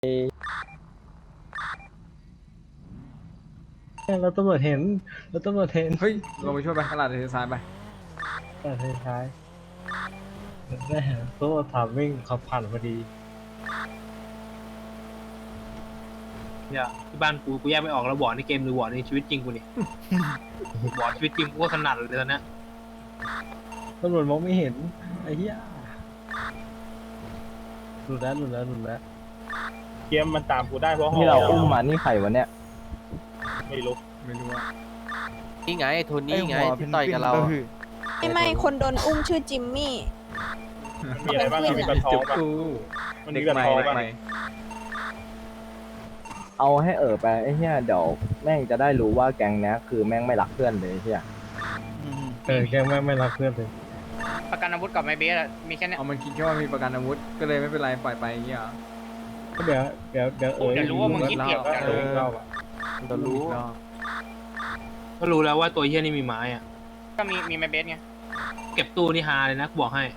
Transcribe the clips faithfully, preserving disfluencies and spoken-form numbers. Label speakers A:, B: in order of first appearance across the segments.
A: เราตำรวจเห็นเราตำรวจเห็น
B: เฮ้ยลงไปช่วยไปตลาดเทซ้ายไป
A: แต่ท้ายแม่ตัวถามวิ่งขับผ่านพอดี
C: เนี่ยที่บ้านกูกูแยกไม่ออกแล้ววอร์ดในเกมหรือวอร์ดในชีวิตจริงกูนี่ วอร์ดชีวิตจริงกูก็ถนัดเลยตอนเนี้ย
A: ตำรวจมองไม่เห็นไอ้เหี้ยหลุดแล้วหลุดแล้วหลุดแล้ว
D: เกมมันตามกูได้เพราะ
E: ที่เราอุ้มมานี่ใครวะเนี่ย
D: ไม่รู้
B: ไม่รู้ว่า
F: นี่ไงโทนี่ไงที่ต่อยกับเราอะ
G: ไม่ไม่คนโดนอุ้มชื่อจิมมี่
D: มีอะไรบ้างมีกระท้องป่ะ
B: กู
D: มัน
B: เด็
D: มี
B: ก
D: กระ
B: ใหม่
D: ท้อง
B: เด็ก
D: ป่ะ
B: ใหม่
E: เอาให้เออไปไอ้เหี้ยเดี๋ยวแม่งจะได้รู้ว่าแก๊งเนี้ยคือแม่งไม่รักเพื่อนเลยไอ้เหี้ย
A: เออแกไม่ไม่รักเพื่อนเลย
H: ประกันอาวุธกับไมเบสอะมีแค่เนี้ย
B: เอามันคิดแค่ว่ามีประกันอาวุธก็เลยไม่เป็นไรปล่อยไปอย่างเงี้ยเหรอ
A: ก็เดี๋ยวเดี๋ยวเดี๋ยวเออ
H: เดี๋ยวรู้ว่ามึงคิดผิด
A: เอ
H: เดี๋ยว
A: อ
H: รู้
A: เล่าอ่ะ
B: จะรู้อีกรอบ
C: ก็รู้แล้วว่าตัวเฮี้ยนี่มีไม้อะ
H: ก็มีมีไมเบสไง
C: เก็บตู้นี่ฮาเลยนะกูบอกให้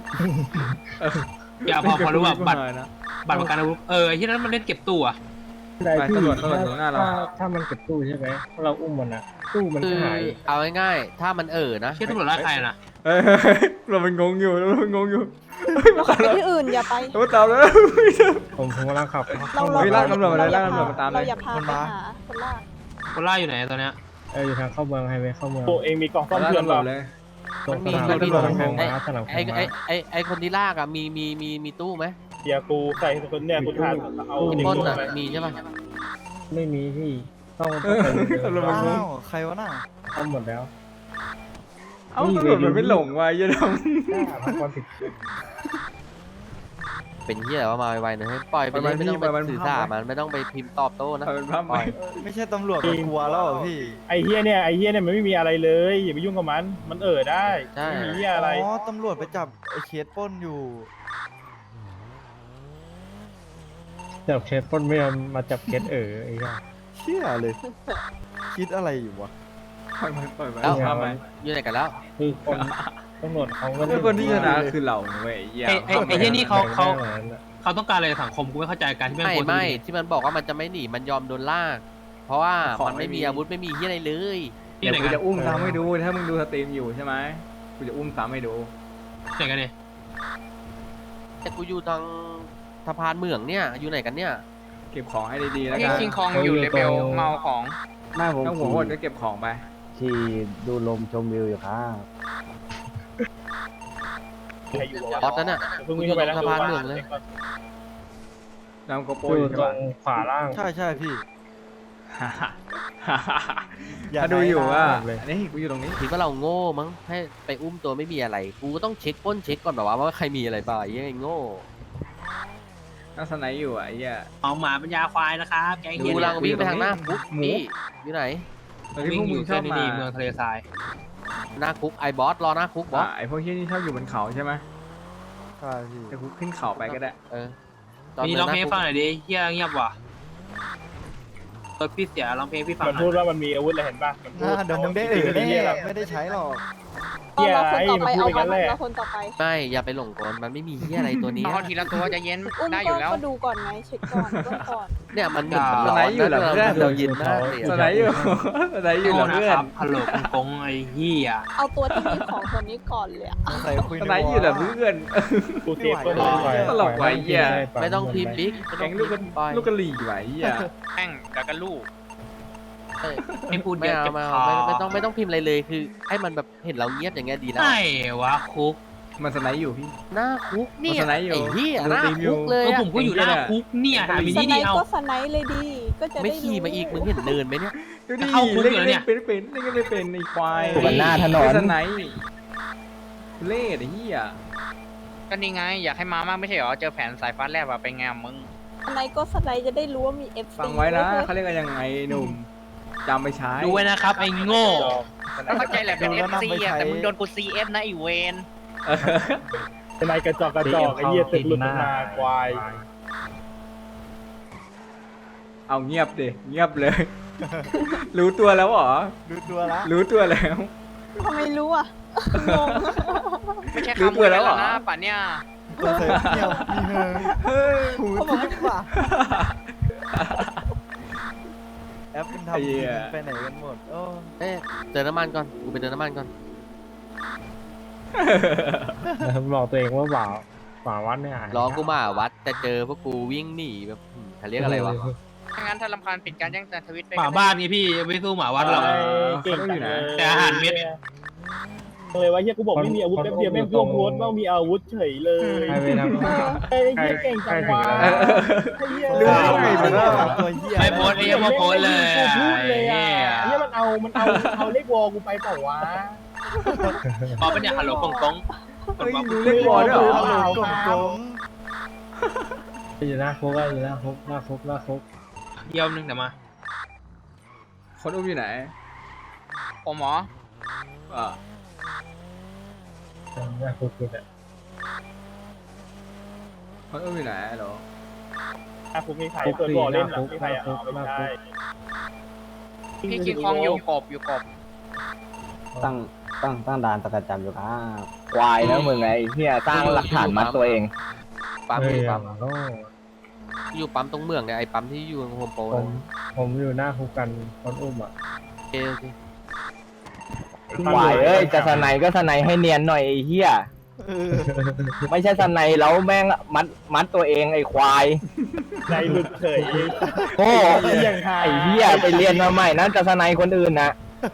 C: อย่าพอพอรู้ว่าบัตร
B: นะ
C: บัตรประกันอาวุธเออไอ้ที่นั้นมันเล่นเก็บตู้อะ
A: ได้
B: ไป
A: พี่
B: ตำรวจตำรวจอยู่หน้าเรา
A: ถ้าถ้ามันเก็บตู้ใช่ไหมถ้าเราอุ้มมันอ่ะตู้มัน
F: คื
A: ก็
F: อ
A: หาย
F: เอาง่ายๆถ้ามันเออนะ
C: เชี่ยตำรวจไล่ใครอะนะ
B: เฮ้ยเราเป็นงงอยู่เราเป็นงงอยู่
G: เราขับไปที่อื่นอย่าไป
B: เราตามแล้ว
A: ผมผมกำลังขับ
G: เรา
B: เฮ้ยลากตำรวจมาเลย
G: อย่
B: ลากตำรวจมาตามเลย
G: เราอย่าพาไปหาคนลาก
C: คนล่าอยู่ไหนตอนเนี้ย
A: เอออยู่ทางเข้าเมืองไฮเวย์เข้าเมือง
D: ตัวเองมีกล่องซ่อม
B: ลาก
D: เพื่อน
B: ตำรว
D: เป
B: จ
D: ล่า
B: เลย
A: ตรง
F: มัน
A: ส
F: มี
A: นาม
F: มันมี
A: สนามแข่งม้าสนาม
F: ไอ้
A: แข่ง
F: ไอ้
A: ม้า
F: ไอ้ไอ้คนที่ลากอะมีมีมีมีตู้ไหม
D: เดี๋ยวกูใส่คนเนี่ยกูทานเอา
F: ที่
D: เด็ก
F: ปล้น
D: ตัว
F: อะ
D: ไป
F: มีใช่ปะ
A: ไม่มีพี่ต้องต้องไปเดิน
B: ตำรวจมันงง
E: ใครวะน่ะ
A: เข้าหมดแล้ว
B: เอ้าตำรวจมันไม่หลงว่ะยัน
A: ได้พักความผิด
F: เป็นเหี้ยอะไรว่ามาไวๆหน่อยให้ปล่อยไปเลยไม่ต้องไปสื่อสารมันไม่ต้องไปพิมพ์ตอบโต้นะ
B: เอาเป็นภาพให
F: ปล่
B: ม่
F: อย
E: ไม่ใช่ตำรวจกลัวแล้วพี่
D: ไอ้เฮียเนี่ยไอ้เฮียเนี่ยมันไม่มีอะไรเลยอย่าไปยุ่งกับมันมันเอ่อได้
F: ใช่
D: ไม่มีเฮียอะไร
E: อ๋อตำรวจไปจับไอ้เคสปล้นอยู่
A: จับเคสปล้นไม่ยอมมาจับเคสเออไอ้เหี้ย
E: เชื่อเลย คิดอะไรอยู่วะ
B: ปล่อยไปปล่อยไป
F: แล้ว
B: ภาพใหม่
F: อยู่ไหนกันแล้ว
A: คือคนตำรวจเขาก็
B: ไอ้คนที่ชนะคือเราเว้ยเหี้ย
C: ไอ้ไอ้ไอ้เฮี้ยนี่เขาเขา
A: แบ่งได้หมือนกันอะ
C: เขาต้องการอะไรจากสังคมกูไม่เข้าใจการที่แม่ง
F: ไม่
C: โพสต์
F: ไม่
C: อย่างนี้
F: ที่มันบอกว่ามันจะไม่หนีมันยอมโดนลาก เพราะว่ามันไม่มีอาวุธไม่มีเหี้ยอะไรเลย
C: ที่
B: เดี๋ยว
C: ไหน
B: กู
C: กัน
B: จะอุ้มซ้ำให้ดูถ้ามึงดูสตรีมอยู่ใช่ไหมกูจะอุ้มซ้ำให้ดู
C: ที่ไหนกันเนี่ย
F: แต่กูอยู่ทางสะพานเหมืองเนี่ยอยู่ไหนกันเนี่ย
B: เก็บของให้ดีๆแล้ว
H: นี่
B: กัน
H: คิงคองอยู่เลเวลเมาของ
E: แม่ผม
B: ถ้าหัวโหดก็เก็บของไป
E: ขี่ดูลมชมวิวอยู่ครับ
D: ใครอยู่
F: ออสนั่นน่ะ
D: เพิ่งวิ่งเข้าไปนะ
F: อยู่ตรงสะพานเหมืองเลย
B: นำโกโปร
A: อ
B: อยู่ ยู่
A: ตร
B: ใช่
A: ง
B: ปะ
A: ขวาล่าง
E: ใช่ใช่พี่ อย่า
B: ถ้าดูอยู่ว่า
A: เลย
B: อันนี้กูอยู่ตรงนี้
F: คิดว่าเราโง่มั้งให้ไปอุ้มตัวไม่มีอะไรกูก็ต้องเช็คปล้นเช็คก่อนแบบว่าว่าใครมีอะไรบ้างไอ้เหี้ยโง่
B: น่าสไนด์อยู่อ่ะไอ้เหี้ย
C: เอาหมาปัญญาควายนะครับแกง
F: ดู
C: เฮี้ย
F: กำลังวิ่งไปทางหน้าคุก
B: หมู
F: นี่อยู่ไหน
B: ตอนที่
C: วิ่
B: พ
C: ง
B: วก
C: อ
B: มึ
C: ยู่
B: งช
C: เส้
B: อบ
C: น
B: มา
C: นี้เมืองทะเลทราย
F: หน้าคุกไอ้บอสรอหน้าคุกบอส
B: อ่ะไอพวกเฮี้ยนี่ชอบอยู่บนเขาใช่ไหม
E: ใช่พี่
B: แต่กูขึ้นเขาไปก็ได้
F: เออ
C: มีร้องเพลงให้ฟังห
F: ห
C: น่อยดิเฮี้ยเงียบว่ะเออพี่เสียร้องเพลงให้พี่ฟัง
D: มัน
C: หน่
D: พู
C: อ
D: ด
C: ย
D: ว่ามันมีอาวุธอะไรเห็นป่ะมันพูด
E: เดี๋ยวมึงได้เออแน่ไม่ได้ใช้หรอก
D: เฮีย
G: เรา
D: อะไร
G: คนต่อ
D: มัน
G: ไป
D: พูด
G: เอา
D: ไป
G: มา
D: งั้นแหละ
G: เราคนต่อไป
F: ไม่อย่าไปหลงกลมันไม่มีเหี้ยอะไรตัวนี้
H: เอาทีละตัวจะเย็น
G: อุ้ม
H: ได้อ
G: ก็
H: ยู่แล้ว
G: ก็ดูก่อนไงเช็คก่อนเบื้องก่อน
F: เนี่ยมันเห็น
B: สไนด์อยู่เหรอเพื่อน
F: เรายินมากเลย
B: ส
F: อะ
B: ไนด์อยู่สไนด์อยู่เหร
C: โง่
B: อ
C: นะ
B: เพื่อ
C: คน รับฮัลโหลคุณกงไอ้เฮี้ย
G: เอาตัวที่มีของคนนี้ก่อนเลยอะ
E: ใส่คุย
B: สไนด์อยู่เหรอเพื่อน
D: กูเซฟก็
E: ไม่
D: ได้
E: ไหว
B: ตลกว่ะไอ้เหี้ย
F: ไม่ต้องพิมพ์บิ๊กไม่
B: แก๊
F: ต้อง ง
B: ลูกกระ
F: พิมพ์ไป
B: ลูกกระหลี่ไหวไอ้เหี้ย
H: แม่งแล้วก็ลูก
F: เอ้ย
C: ไม่พูดเย
F: ไม่
C: อะ
F: เอา
C: เจ็บ
F: ไม่
C: คอ
F: เอาไม่ไม่ต้องไม่ต้องพิมพ์อะไรเลยคือ ให้มันแบบเห็นเราเงียบอย่างเงี้ยดีแล้ว
C: ไอ้วะคุก
B: มันสไนด์อยู่พี่
F: หน้าคุกเนี่ย
B: มันสไนด์อยู่
F: ไอ้เหี้ย
B: มัน
F: หน้า
B: สตรีมอยู่
F: คุกเล
C: เอย อ
F: อะ
C: ผมก็อยู่หน้าคุกเนี่ยหามิ
G: ส
C: นิ
G: ไน
C: ดี
G: ป์
C: เอา
G: ก็สไนป์เลยดี ก็จะ
F: ไม่
G: ได้
F: ขี่มาอีกมึงเห็นเนินไหมเนี่ย
B: ดูดิ
C: เข้าคุก
B: เล่น
C: อยู่แล้วเนี่
B: เล่
C: ย
B: นเป็นเป็นเล่นกันไม่เป็นไอ้ควาย
E: อยู่บนหน้าถนน
B: สไนด์เล่ไอ้เหี้ย
H: ก็นี่ไงอยากให้มามากไม่ใช่เหรอเจอแผนสายฟ้าแลบอะเป็นไงอะมึง
G: สไนป์ก็สไนป์จะได้รู้ว่ามี เอฟ ซี
B: ฟังไว้นะ
G: เว้ย
B: เขาเรียกกันยังไงหนุ่มจำไปใช้
C: ดูไว้นะครับไอ้โง่
H: เข้าใจแหละเป็น
E: ดู
H: เอ
E: แล้ว
H: ฟซี
E: นำไป
H: อะ
E: ใช้
H: แต่มึงโดนกูซีเอฟนะไอีเวน
B: เออ
D: เป็นไรกระจอกกระจอกไอ้เฮียตึกหลุดออกมาควาย
B: เอาเงียบดิเงียบเลย รู้ตัวแล้วเหรอ
E: ดูตัวละ
B: รู้ตัวแล้ว
G: ทำไมรู้อ่ะงง
H: ไม่ใช่
B: รู้
H: คำ
B: ตัวแล้วเหรอ
H: นะป่ะเนี่ย
I: ตัวเสร็จเงียบมีเฮอหูทิพย์ว่ะแอปเป็นทำดีไปไหนกันหมดโอ้
F: เอ๊ะเติมน้ำมันก่อนกูไปเติมน้ำมันก่อน
A: บอกตัวเองว่าบ่าวบ่าววัดเนี่ย
F: รอกูมาวัดแต่เจอพวกกูวิ่งหนีแบบอืมเขาเรียกอะไรวะ
H: ถ้างั้นถ้ารำคาญปิดการแจ้งเตือนทวิตไป
C: หมาบ้านนี่พี่ไม่สู้หมาวัดหรอก
D: ไอ้เก่งจังเลย
C: แต่อาหารเม็ด
D: เลยว่าเฮียกูบอกไม่มีอาวุธแป๊บเดียวแม่งพูดโพสต์ว่ามีอาวุธเฉยเลย
A: ใครไปทำ
D: ไอ้เฮียเก่งจังวะไอ้เฮีย
I: รู้ได้ไงมันตัวเหี้ย
C: ไม่โพสต์ไอ้ยังมาโพสต์เลย
D: กูพูดเลยอ่ะ
C: ไอ้เหี้ย
D: เฮียมันเอามันเอาเอาเลขวอลกูไปเปล่าวะ
C: พอเป็นเนี่ยฮัลโหลกงกง
B: เฮ้ยรู้เลขบอลด้วยเหรอ
D: เปล่า
I: โกงโกง
A: อยู่หน้าคุกอะอยู่หน้าคุกหน้าคุกหน้าคุก
C: เยี่ยมนึงเดี๋ยวมา
B: คนอุ้มอยู่ไหน
H: ผมหมอ
B: อ่า
A: หน้าคุกคือเนี่ย
B: คนอุ้มอยู่ไหนเหรอ
D: อ่ะผมมีใครเปิดบ่อเล่นหรอมีใครอ่ะเอาไม่ใช่
H: พี่คิงคองอยู่กบอยู่กบ
E: ตั้งตั้งตั้งด่านสกัดจับอยู่ครับควายแล้วมึงไงไอ้เฮียสร้างหลักฐานมัดตัวเอง
F: ปั๊ม
A: เฮ้
F: อย ยู่ปั๊ม
A: โอ้
F: อยู่ปั๊มตรงเมืองเนี่ยไอ้ปั๊มที่อยู่โฮมโปร
A: ผมผมอยู่หน้าคุกกันคนอุ้มอ่ะ
F: โอเคโอเค
E: ควายเอ้ยจะสไนก็สไนให้เนียนหน่อยไอ้เฮีย
I: เออ
E: ไม่ใช่สไนแล้วแม่งมัดมัดตัวเองไอ้ควาย
D: ใจหลุดเฉย
E: โอ้
D: อย่างหา
E: ไอ้เฮียไปเรียนมาใหม่นะจะสไนคนอื่นนะ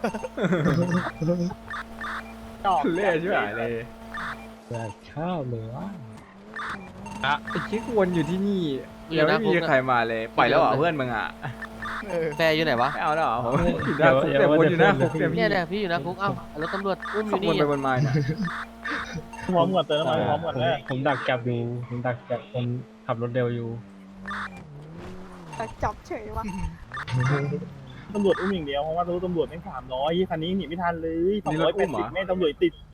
B: เล่ใช่ไหมเลย
A: แบบข้าวเลยวะ
B: ไอ้คิกวนอยู่ที่นี่ยังไม่มีใครมาเลยปล่อยแล้วเหรอเพื่อนมึงอ่ะ
I: เออ
F: แฟร์อยู่ไหนวะ
B: ไม่เอาแล้วเหรอผมอยู่หน้าคุกแต่วนอยู่หน้าคุกแต่
F: เนี่ยเนี่ยพี่อยู่นะคุกเอ้าแล้วตำรวจอุ้มอ
B: ขับ
F: ยู่
B: วน
F: นี่
B: ไปวนมาเนี่ย
D: พร้อมกับเติมน้ำมันพร้อมกับเลย
A: ผมดักจับอยู่ผมดักจับคนขับรถเร็วอยู่
G: แต่จับเฉยวะ
D: ตำรวจอุ้มอย่างเดียวเพราะว่ารู้ตำรวจแม่งสามร้อยคันนี้หนีไม่ทันเลยสองร้อยแปดสิบแม่งตำรวจติด